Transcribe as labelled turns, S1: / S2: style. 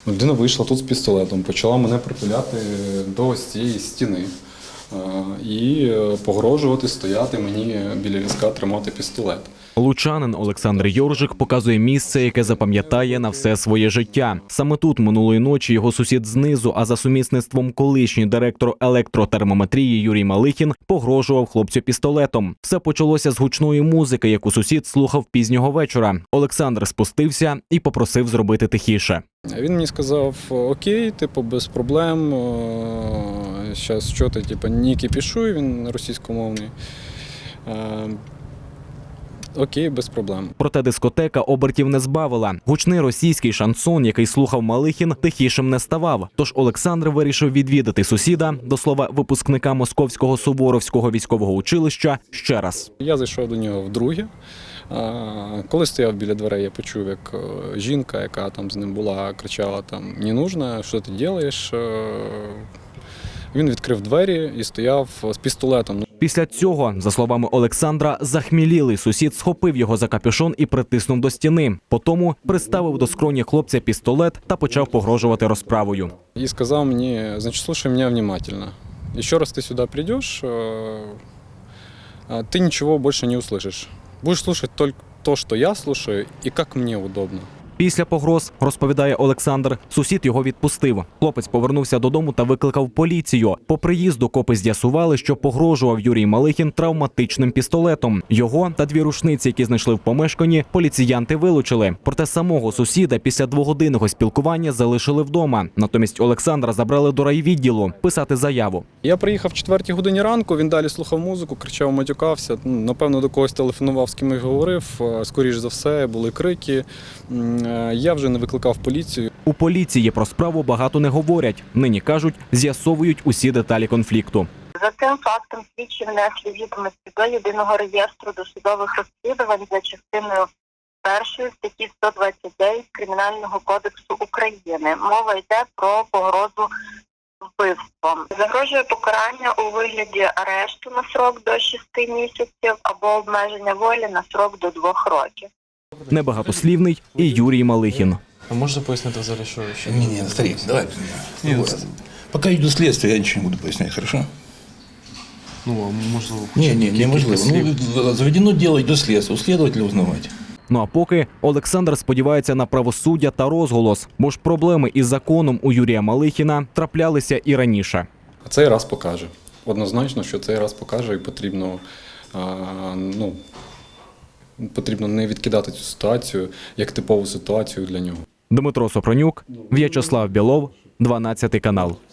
S1: Людина вийшла тут з пістолетом, почала мене притуляти до ось цієї стіни і погрожувати, стояти мені біля візка, тримати пістолет.
S2: Лучанин Олександр Йоржик показує місце, яке запам'ятає на все своє життя. Саме тут минулої ночі його сусід знизу, а за сумісництвом колишній директор електротермометрії Юрій Малихін погрожував хлопцю пістолетом. Все почалося з гучної музики, яку сусід слухав пізнього вечора. Олександр спустився і попросив зробити тихіше.
S1: Він мені сказав: окей, без проблем, зараз що ти, не кипішуй, він російськомовний. Окей, без проблем.
S2: Проте дискотека обертів не збавила. Гучний російський шансон, який слухав Малихін, тихішим не ставав. Тож Олександр вирішив відвідати сусіда, до слова, випускника Московського Суворовського військового училища, ще раз.
S1: Я зайшов до нього вдруге. Коли стояв біля дверей, я почув, як жінка, яка там з ним була, кричала там: «Не нужно, що ти робиш?». Він відкрив двері і стояв з пістолетом.
S2: Після цього, за словами Олександра, захмілілий сусід схопив його за капюшон і притиснув до стіни. Потому приставив до скроні хлопця пістолет та почав погрожувати розправою.
S1: І сказав мені: значить, слухай мене внимательно. Ще раз ти сюди прийдеш, ти нічого більше не услышиш. Будеш слухати тільки те, що я слухаю, і як мені удобно.
S2: Після погроз, розповідає Олександр, сусід його відпустив. Хлопець повернувся додому та викликав поліцію. По приїзду копи з'ясували, що погрожував Юрій Малихін травматичним пістолетом. Його та дві рушниці, які знайшли в помешканні, поліціянти вилучили. Проте самого сусіда після двогодинного спілкування залишили вдома. Натомість Олександра забрали до райвідділу писати заяву.
S1: Я приїхав в 4 годині ранку, він далі слухав музику, кричав, матюкався. Напевно, до когось телефонував, з ким я говорив. Скоріш за все, були крики. Я вже не викликав поліцію.
S2: У поліції про справу багато не говорять. Нині, кажуть, з'ясовують усі деталі конфлікту.
S3: За цим фактом слідчі внесли відомості до єдиного реєстру досудових розслідувань за частиною 1 статті 129 Кримінального кодексу України. Мова йде про погрозу вбивством. Загрожує покарання у вигляді арешту на срок до 6 місяців або обмеження волі на срок до 2 років.
S2: Небагатослівний і Юрій Малихін.
S4: А можете пояснити взагалі, що ще?
S5: Не, старик, давай. Вот. Пока идет следствие, я ничего не буду пояснять, хорошо?
S4: Ну, а можливо,
S5: неможливо. Ну, заведено дело, йде слідство, у слідователя узнавати.
S2: Ну а поки Олександр сподівається на правосуддя та розголос, бо ж проблеми із законом у Юрія Малихіна траплялися і раніше.
S1: А цей раз покаже. Однозначно, що цей раз покаже, і потрібно, потрібно не відкидати цю ситуацію як типову ситуацію для нього.
S2: Дмитро Сопронюк, В'ячеслав Білов, 12 канал.